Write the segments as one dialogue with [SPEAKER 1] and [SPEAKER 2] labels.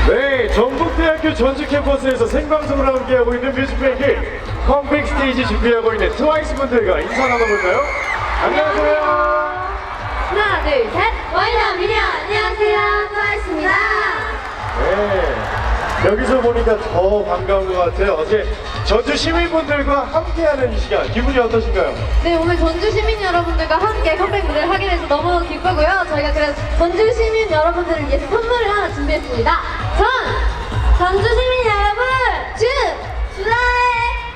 [SPEAKER 1] 네, 전북대학교 전주 캠퍼스에서 생방송으로 함께하고 있는 뮤직뱅크 컴백 스테이지 준비하고 있는 트와이스 분들과 인사 나눠볼까요? 안녕하세요.
[SPEAKER 2] 하나, 둘, 셋. 와이더 미녀. 안녕하세요. 트와이스입니다.
[SPEAKER 1] 네, 여기서 보니까 더 반가운 것 같아요. 어제 전주 시민분들과 함께하는 이 시간 기분이 어떠신가요?
[SPEAKER 2] 네, 오늘 전주 시민 여러분들과 함께 컴백 무대를 하게 돼서 너무 기쁘고요. 저희가 그래서 전주 시민 여러분들을 위해서 선물을 하나 준비했습니다. 전주 시민 여러분, 주라에!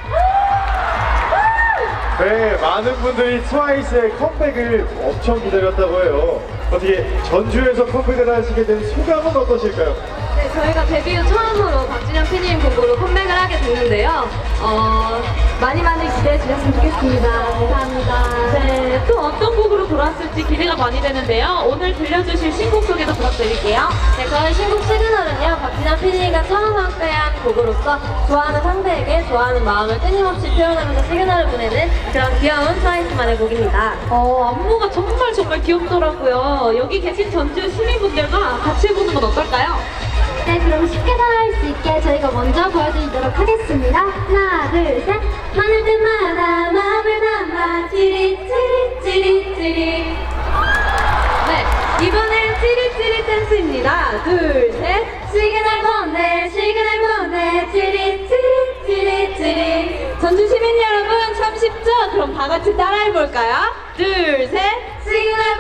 [SPEAKER 1] 네, 많은 분들이 트와이스의 컴백을 엄청 기다렸다고 해요. 어떻게 전주에서 컴백을 하시게 된 소감은 어떠실까요?
[SPEAKER 2] 네, 저희가 데뷔 후 처음으로 박진영 PD님 곡으로 컴백을 하게 됐는데요. 많이 기대해 주셨으면 좋겠습니다. 감사합니다.
[SPEAKER 3] 네, 또 어떤 곡으로 돌아왔을지 기대가 많이 되는데요. 오늘 들려주실 신곡 소개도 부탁드릴게요.
[SPEAKER 2] 네, 저희 신곡 시그널은요, 박진영 PD가 처음 함께한 곡으로서 좋아하는 상대에게 좋아하는 마음을 끊임없이 표현하면서 시그널을 보내는 그런 귀여운 트와이스만의 곡입니다.
[SPEAKER 3] 안무가 정말 귀엽더라고요. 여기 계신 전주 시민분들과 같이 해보는 건 어떨까요?
[SPEAKER 2] 네, 그럼 쉽게 따라할 수 있게 저희가 먼저 보여드리도록 하겠습니다. 하나, 둘, 셋. 많을 때마다 마음을 담아 찌릿찌릿찌릿찌릿. 네, 이번엔 찌릿찌릿 댄스입니다. 둘, 셋. 시그널 보내 찌릿찌릿찌릿찌릿.
[SPEAKER 3] 전주 시민 여러분 참 쉽죠? 그럼 다 같이 따라해볼까요? 둘, 셋.
[SPEAKER 2] 시그널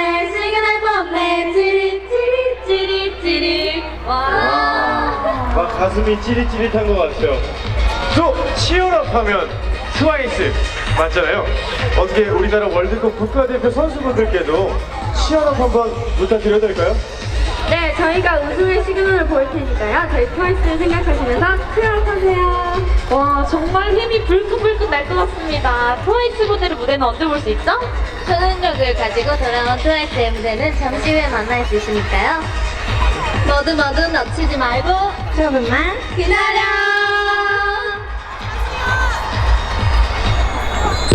[SPEAKER 2] 보내 찌릿찌릿찌릿찌릿. 와.
[SPEAKER 1] 막 가슴이 찌릿찌릿한 것 같아요. 또 치얼업 하면 트와이스 맞잖아요. 어떻게 우리나라 월드컵 국가대표 선수분들께도 치얼업 한번 부탁드려도 될까요?
[SPEAKER 2] 네, 저희가 우승의 시그널을 보일 테니까요. 저희 트와이스를 생각하시면서 치열하세요.
[SPEAKER 3] 와, 정말 힘이 불끈불끈 날 것 같습니다. 트와이스 분들의 무대는 언제 볼 수 있죠?
[SPEAKER 2] 초능력을 가지고 돌아온 트와이스의 무대는 잠시 후에 만날 수 있으니까요. 모두 놓치지 말고 조금만 기다려!